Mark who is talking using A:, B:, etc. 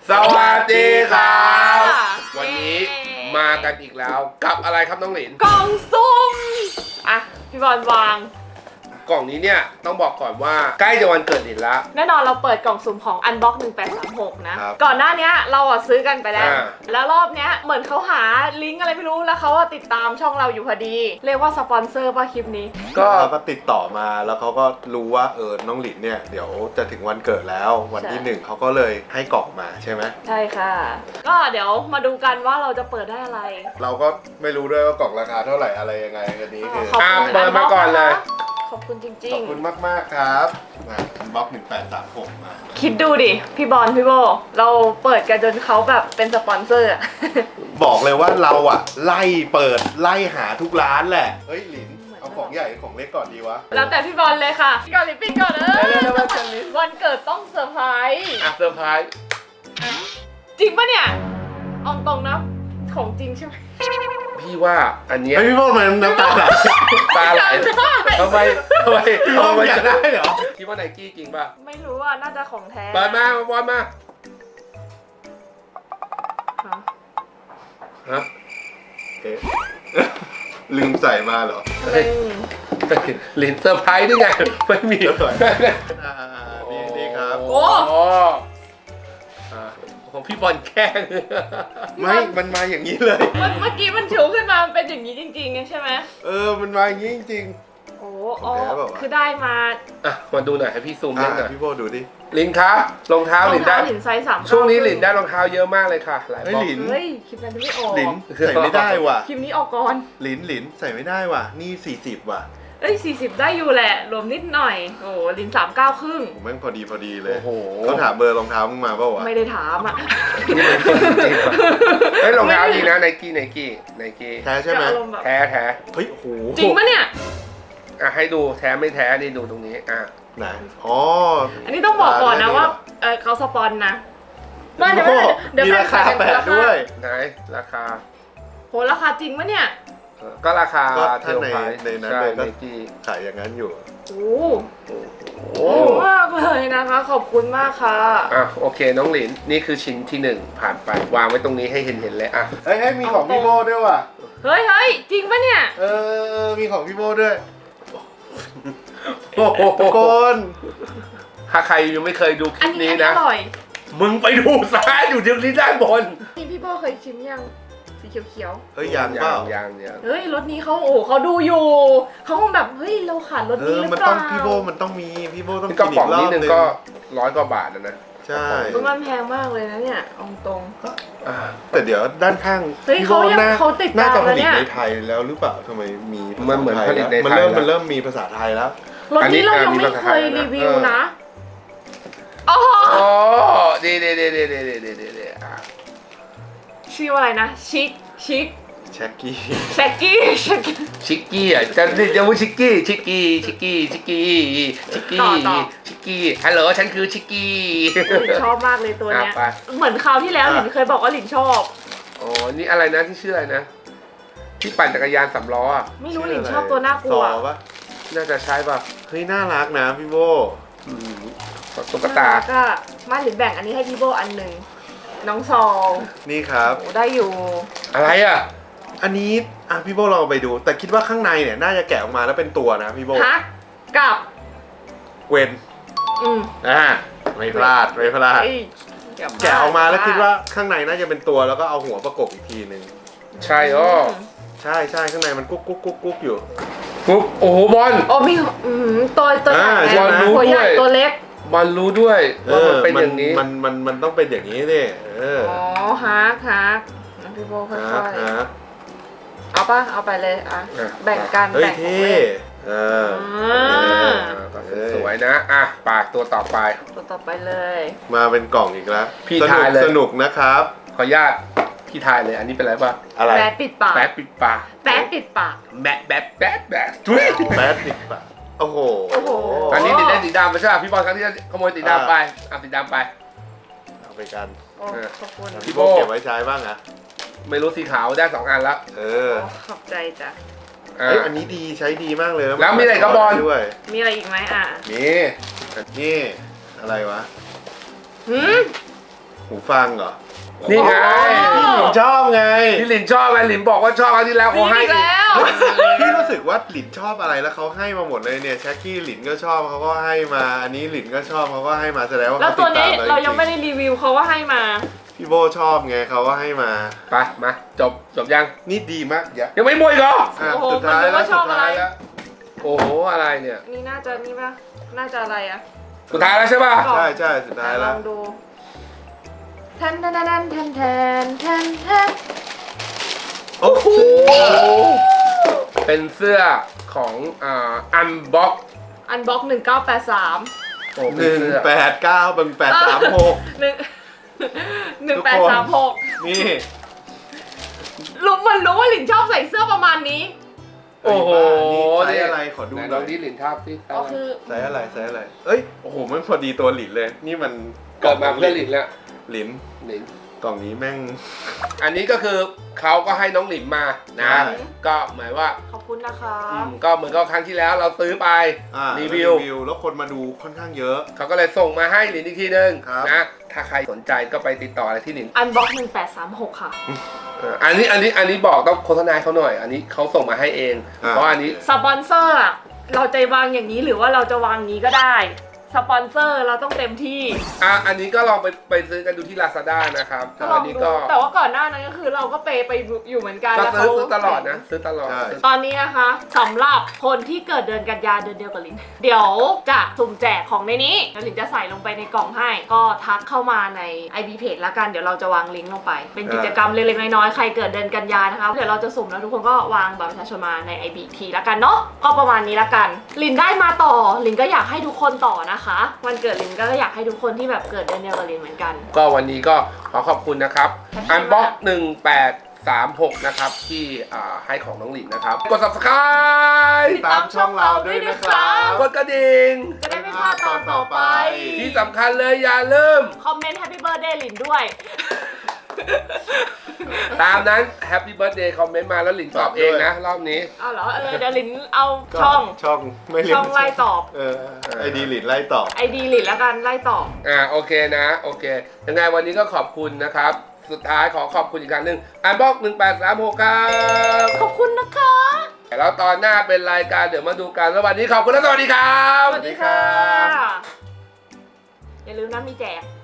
A: สวัสดีครับวันนี้มากันอีกแล้วกับอะไรครับน้องหลิน
B: กล่องซุ่มอ่ะพี่บอลวาง
A: กล่องนี้เนี่ยต้องบอกก่อนว่าใกล้จะวันเกิดหลินแล้ว
B: แน่นอนเราเปิดกล่องสุ่มของ Unbox 1836 นะ ก่อนหน้านี้เราซื้อกันไปแล้วแล้วรอบเนี้ยเหมือนเขาหาลิงก์อะไรไม่รู้แล้วเขาติดตามช่องเราอยู่พอดีเรียกว่าสปอนเซอร์ป่ะคลิปนี้
C: ก็ติดต่อมาแล้วเขาก็รู้ว่าน้องหลินเนี่ยเดี๋ยวจะถึงวันเกิดแล้ววันที่1เขาก็เลยให้กล่องมาใช่ไหม
B: ใช่ค่ะก็เดี๋ยวมาดูกันว่าเราจะเปิดได้อะไร
C: เราก็ไม่รู้ด้วยว่ากล่องราคาเท่าไหร่อะไรยังไงอันนี้คือ
A: เปิดมาก่อนเลย
B: ขอบคุณจริงๆ
C: ขอบคุณมากๆครับมาบล็อก1836มา
B: คิดดูดิพี่บอลพี่โบเราเปิดกันจนเขาแบบเป็นสปอนเซอร์
C: บอกเลยว่าเราไล่เปิดไล่หาทุกร้านแหละเฮ้ยหลินเอาของใหญ่ของเล็กก่อนดีวะ
B: แล้วแต่พี่บอลเลยค่ะพี่ก่อนปิดก่อนวันเกิดต้องเซอร์ไพรส์
A: เซอร์ไพรส์
B: จริงปะเนี่ยเอาตรงนะของจริงใช่ไหม
A: พี่ว่าอันนี้
C: พี่โบมันน้ำตาไหล
A: ตาไหลทำไม
C: อยากได้เหรอ
A: คิดว่าไนกี้จริงป่ะ
B: ไม่รู้อ่ะน่าจะของแท้
A: เปิดมาบอลมาฮะ
C: ลืมใส่มาเหรอ
A: หลินเซอร์ไพรส์ได้ไงไม่มี
C: นี่ครับ
B: โอ้
A: ของพี่บอลแกล้ง
C: ไม่มันมาอย่างนี้เลย
B: เมื่อกี้มันชูขึ้นมามันเป็นอย่างนี้จริงๆใช่ไหม
C: มันมาอย่างนี้จริง
B: โอ้คือได้มา
A: มาดูหน่อยให้พี่ซูมได้หน่อย
C: พี่โบดูดิ
A: ลินคะรองเท้าลินได้
B: ไซส์3
A: ช่วงนี้ลินได้รองเท้าเยอะมากเลยค่ะหลายบอก
B: เฮ้ยคลิปนั้นไม่ออก
C: ลินใส่ไม่ได้ว่ะ
B: คลิปนี้ออกก่อน
C: ลินใส่ไม่ได้ว่ะนี่40ว่ะ
B: 40ได้อยู่แหละรวมนิดหน่อยโอ้ลิน39ครึ่ง
C: ผมแม่งพอดีเลยเขาถามเบอร์รองเท้ามึงมาเปล่าวะ
B: ไม่ได้ถาม
A: นี่มันคนจริงเฮ้ยรองเท้าดีนะไนกี้
C: แท้ใช่ไหม
A: แท้
C: เฮ้ยโห
B: จริงปะเนี่ย
A: ให้ดูแท้ไม่แท้นี่ดูตรงนี้
C: ไหน
B: อันนี้ต้องบอกก่อนนะว่าเขาสปอนนะ
C: ว่าเดี๋ยวมีราคาแปดด้วย
A: ไหนราคา
B: โหราคาจริงปะเนี่ย
A: ก็ราคา
C: เท่าในนั้นเลยก็ขายอย่างนั้นอยู่
B: โอ้มากเลยนะคะขอบคุณมากค่ะ
A: โอเคน้องหลินนี่คือชิ้นที่1ผ่านไปวางไว้ตรงนี้ให้เห็นเลย
C: เฮ้ยมีของพี่โบด้วยว่ะ
B: เฮ้ยจริงปะเนี่ย
C: มีของพี่โบด้วย
A: ทุกคนถ้าใครยังไม่เคยดูคลิปนี้นะมึงไปดูซะอยู่ที่ด้านบน
B: พี่โบเคยชิมยังสีเขียว
C: เฮ้ยยัง
B: เฮ้ยรถนี้เขาดูอยู่เขาคงแบบเฮ้ยเราขาดรถนี้หรือเปล่า
C: พี่โบมันต้องมีพี่โบต้อง
A: กินอีกรอบนึงก็100 กว่าบาทนะ
C: ใช่
B: มันแพงมากเลยนะเนี่ยองตรง
C: แต่เดี๋ยวด้านข้าง
B: พี่โบน่า
C: จะผลิตในไทยแล้วหรือเปล่าทำไมมี
A: มันเหมือนผลิตในไทย
C: มันเริ่มมีภาษาไทยแล้ว
B: รถนี้เรายังไม่เคยรีวิวนะ
A: โอ้ดี
B: ชื่ออะไรนะชิค
C: แช็กกี้
A: จะเรียกว่าชิกกี้ฮัลโหลฉันคือชิกกี้
B: ชอบมากเลยตัวเนี้ยเหมือนคราวที่แล้วหลินเคยบอกว่าหลินชอบ
A: นี่อะไรนะที่ชื่ออะไรนะที่ปั่นจักรยาน3 ล้อ
B: ไม่รู้หลินชอบตัวน่ากลัว
A: น่าจะใช่ป่ะ
C: เฮ้ยน่ารักนะพี่โบ
A: ตุ๊กตา
B: ก็มาหลินแบ่งอันนี้ให้พี่โบอันหนึ่งน้องซอง
C: นี่ครับ
B: ได้อยู่
A: อะไร
C: อันนี้พี่โบลองไปดูแต่คิดว่าข้างในเนี่ยน่าจะแกะออกมาแล้วเป็นตัวนะพี่โบ
B: กับ
C: เวนไม่พลาดแกะออกมาแล้วคิดว่าข้างในน่าจะเป็นตัวแล้วก็เอาหัวประกบอีกทีนึง
A: ใช่
C: ใช่ข้างในมันกุ๊กอยู่
A: โอ้โหบอล
B: มีตัวใหญ่หัวใหญ่ตัวเล็ก
A: บอลรู้ด้วยว่ามันเป็นอย่างนี้
C: มันต้องเป็นอย่างนี้สิ
B: ฮักพี่โบค่อยๆเอาไปเลยแบ่งกัน
C: แบ่งเลย
A: สวยนะปากตัวต่อไป
B: เลย
C: มาเป็นกล่องอีกแล้ว
A: พี่ทายเลย
C: สนุกนะครับ
A: ขออนุญาตพี่ทายเลยอันนี้เป็นอะไรป่ะ
C: อะไร
B: แบดปิดปาก
A: แบดปิดปาก
B: แบดปิดปาก
C: โอ้โห
A: อันนี้ติดได้สีดำไม่ใช่พี่บอลครั้งที่ขโมยสีดำไปสีดำไป
C: เอาไปกัน
B: ขอบคุณ
C: พี่โบเก็บไว้ใช้บ้างนะ
A: ไม่รู้สีขาวได้2 อันแล้ว
B: ขอบใจจ้ะ
C: อันนี้ดีใช้ดีมากเลย
A: แล้วมีอะไรกับบอล
C: ด้วย
B: มีอะไรอีกไหม
C: นี่อะไรวะหูฟังเหรอ
A: นี่ไง
C: พี่หลินชอบไง
A: พี่หลินชอบไงหลินบอกว่าชอบครั้งที่แล้วเขาให้
B: อีกแล้ว
C: พี่รู้สึกว่าหลินชอบอะไรแล้วเขาให้มาหมดเลยเนี่ยแช็กกี้หลินก็ชอบเขาก็ให้มาอันนี้หลินก็ชอบเขาก็ให้มาแสดงว่า
B: แล้ว
C: เขา
B: ตั
C: ติ
B: ว
C: ด
B: นี้
C: ตาม
B: เรายังไม่ได้รีวิวเขาว่าให้มา
C: พี่โบชอบไงเขาก็ให้มา
A: ไปมาจบยัง
C: นี่ดีมากอย่า
A: ยังไม่หมดอีกเหรอ
C: อ่ะ
B: โอ้โห
C: สุดท้าย
B: มันรู้
C: แล้ว
B: ว่าช
C: สุ
B: อบ
C: ดท้าย
B: อะไร
C: แล้ว
A: โอ้โหอะไรเนี่ย
B: นี่น่าจะนี่ปะน่าจะอะไรอะ
A: สุดท้ายแล้วใช่ป่ะ
C: ใช่ใช่สุดท้าย
B: ล
C: แล้
B: อ
C: ว
B: งดูแทนแทนแทนแทนแทนแทนแทน
C: โอ้โห
A: เป็นเสื้อของอันบ็อก
B: อันบ็อก1983
A: โอ้
C: ห
A: เป็น
C: นึ่ง
A: เสื้อ
C: แปดเก้าเป็น836
B: 1836
C: นี่
B: รู้มันรู้ว่าหลินชอบใส่เสื้อประมาณนี้
A: โอ้โห
C: นี่ไซส์อะไรขอดู
A: ไหน
C: ห
A: ล
C: น่
A: อ
C: อง ย
A: ดิหลินทาบสิ
B: ก็คือ
C: ไซส์อะไรไซส์อะไรเอ้ยโอ้โหมันพอดีตัวหลินเลยนี่มัน
A: เกิดมาเพื่อหลินแล้ว
C: หลิน
A: หลิน
C: กล่องนี้แม่ง
A: อันนี้ก็คือเขาก็ให้น้องหลินมานะ
C: ใช่
A: ก็หมายว่า
B: ขอบคุณนะคะ
A: ก็เหมือนกับครั้งที่แล้วเราซื้อไป
C: อ่า
A: รีวิว
C: แล้วคนมาดูค่อนข้างเยอะ
A: เขาก็เลยส่งมาให้หลินอีกทีนึง
C: ครับ
A: นะ ถ้าใครสนใจก็ไปติดต่ออะไรที่หลิน
B: อันบ็อก1836 ค่ะ
A: อันนี้บอกต้องโฆษณาเขาหน่อย อันนี้เขาส่งมาให้เอง เพราะอันนี้
B: สปอนเซอร์อะเราจะวางอย่างนี้หรือว่าเราจะวางนี้ก็ได้ สปอนเซอร์เราต้องเต็มที่
A: อันนี้ก็ลองไปซื้อกันดูที่ Lazada นะครับ
B: ก็ลอ
A: อั
B: ง
A: นี้
B: ดู
A: ก็
B: แต่ว่าก่อนหน้านั้นก็คือเราก็ไปอยู่เหมือนกัน
A: ก็
B: แล้ว
A: ซื้อ
B: เขา
A: ซื้อตลอดนะ ซื้อตลอด
C: ใช่
B: ตอนนี้นะคะสำหรับคนที่เกิดเดือนกันยาเดือนเดียวกับลิน เดี๋ยวจะสุ่มแจกของในนี้แล้วลินจะใส่ลงไปในกล่องให้ ก็ทักเข้ามาใน IB Page ละกันเดี๋ยวเราจะวางลิงก์ลงไป เป็นกิจกรรมเล็กๆน้อยๆใครเกิดเดือนกันยานะคะเดี๋ยวเราจะสุ่มแล้วทุกคนก็วางบัตรประชาชนมาใน IB ทีละกันเนาะก็ประมาณนี้ละกันลินได้มาต่อลินก็อยากให้ทุกคนต่อนะคะวันเกิดลินก็อยากให้ทุกคนที่แบบเกิดเดือนเดียวกับลินเหมือนกัน
A: ก็วันนี้ก็ขอขอบคุณนะครับ อันบ็อก1836 นะครับ ที่ให้ของน้องหลินนะครับ กด subscribe
C: ตามช่องเราด้วยนะครับ
A: กดกระดิ่ง
B: จะได้ไม่พลาดตอนต่อไป
A: ที่สำคัญเลยอย่าลืม
B: คอมเมนต์ Happy Birthday ลินด้วย
A: ตามนั้น Happy Birthday คอมเมนต์มาแล้วหลินตอบเองนะ รอบนี้
B: เอาเหรอเดี๋ยวลินเอาช่อง
C: ไม่เรียก
B: ช่องไล่ตอบ
C: ไอดีหลินไล่ตอบ
B: ไอดีลินแล้วกันไล่ตอบ
A: โอเคนะ โอเค ยังไงวันนี้ก็ขอบคุณนะครับ สุดท้ายขอขอบคุณอีกครั้งหนึ่งอันบ็อก1836 ครับ
B: ขอบคุณนะคะ
A: แล้วตอนหน้าเป็นรายการเดี๋ยวมาดูกันแล้ววันนี้ขอบคุณและสวัสดีครับ
B: สวัสดีค่ะ อย่าลืมนะมีแจก